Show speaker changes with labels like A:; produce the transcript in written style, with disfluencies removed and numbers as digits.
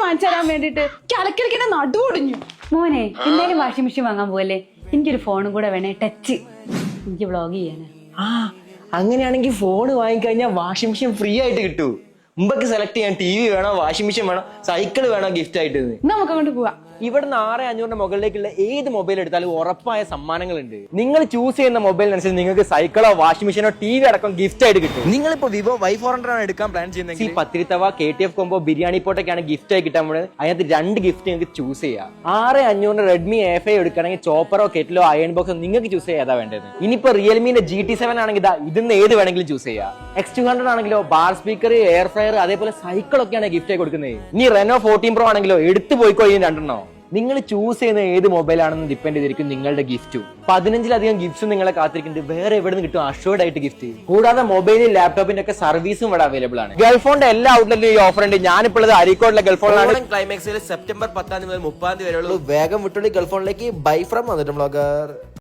A: വാങ്ങിച്ചു തരാൻ വേണ്ടിട്ട് കിടക്കിടക്കിന്റെ നടു ഒടിഞ്ഞു.
B: മോനെ എന്തായാലും വാഷിംഗ് മെഷീൻ വാങ്ങാൻ പോവല്ലേ? എനിക്കൊരു ഫോണും കൂടെ വേണേ, ടച്ച്. എനിക്ക് വ്ളോഗ് ചെയ്യാനാ.
C: അങ്ങനെയാണെങ്കിൽ ഫോൺ വാങ്ങിക്കഴിഞ്ഞാൽ വാഷിംഗ് മെഷീൻ ഫ്രീ ആയിട്ട് കിട്ടൂ. മുമ്പൊക്കെ സെലക്ട് ചെയ്യാൻ ടി വി വേണോ, വാഷിംഗ് മെഷീൻ വേണോ, സൈക്കിൾ വേണോ ഗിഫ്റ്റ് ആയിട്ട്.
A: നമുക്ക് അങ്ങോട്ട് പോവാ.
C: ഇവിടുന്ന് 6500 മുകളിലേക്കുള്ള ഏത് മൊബൈൽ എടുത്താലും ഉറപ്പായ സമ്മാനങ്ങളുണ്ട്. നിങ്ങൾ ചൂസ് ചെയ്യുന്ന മൊബൈലിനനുസരിച്ച് നിങ്ങൾക്ക് സൈക്കിളോ വാഷിംഗ് മെഷീനോ ടി വി അടക്കം ഗിഫ്റ്റ് ആയിട്ട് കിട്ടും. നിങ്ങളിപ്പോ വിവോ Y400 ആണ് എടുക്കാൻ പ്ലാൻ ചെയ്യുന്നത്, പത്തിരിത്തവ KTF കോമ്പോ ബിരിയാണി പോട്ടൊക്കെയാണ് ഗിഫ്റ്റ് ആയി കിട്ടാൻ പോകുന്നത്. അതിനകത്ത് 2 ഗിഫ്റ്റ് നിങ്ങൾക്ക് ചൂസ് ചെയ്യാം. 6500 റെഡ്മി A5 എടുക്കുകയാണെങ്കിൽ ചോപ്പറോ കെറ്റിലോ അയൺ ബോക്സോ നിങ്ങൾക്ക് ചൂസ് ചെയ്യാം ഏതാ വേണ്ടത്. ഇനിയിപ്പോ റിയൽമിന്റെ GT7 ആണെങ്കിൽ ഇതിന്ന് ഏത് വേണമെങ്കിലും ചൂസ് ചെയ്യാം. X200 ആണെങ്കിലോ ബാർ സ്പീക്കർ, എയർ ഫ്രയർ, അതേപോലെ സൈക്കിളൊക്കെയാണ് ഗിഫ്റ്റ് ആയി കൊടുക്കുന്നത്. ഇനി Reno 14 Pro ആണെങ്കിലോ എടുത്തു പോയിക്കോ ഈ 2 നിങ്ങൾ ചൂസ് ചെയ്യുന്ന ഏത് മൊബൈലാണെന്ന് ഡിപ്പെൻഡ് ചെയ്തിരിക്കും നിങ്ങളുടെ ഗിഫ്റ്റും. 15ലധികം ഗിഫ്റ്റ്സും നിങ്ങളെ കാത്തിരിക്കുന്നുണ്ട്. വേറെ എവിടെ നിന്ന് കിട്ടും അഷ്വേർഡ് ആയിട്ട് ഗിഫ്റ്റ്? കൂടാതെ മൊബൈലും ലാപ്ടോപ്പിന്റെ ഒക്കെ സർവീസും ഇവിടെ അവൈലബിൾ ആണ്. ഗൾഫോണിന്റെ എല്ലാ ഔട്ട്ലെറ്റിലും ഈ ഓഫർ ഉണ്ട്. ഞാനിപ്പോൾ അരീക്കോടിലെ ഗൾഫോണിലാണ്. ക്ലൈമാക്സിൽ സെപ്റ്റംബർ 10 മുതൽ 30 വരെയുള്ളൂ. വേഗം വിട്ടുള്ളി ഗൾഫോണിലേക്ക്. ബൈ ഫ്രം വന്നിട്ട് ബ്ലോഗർ.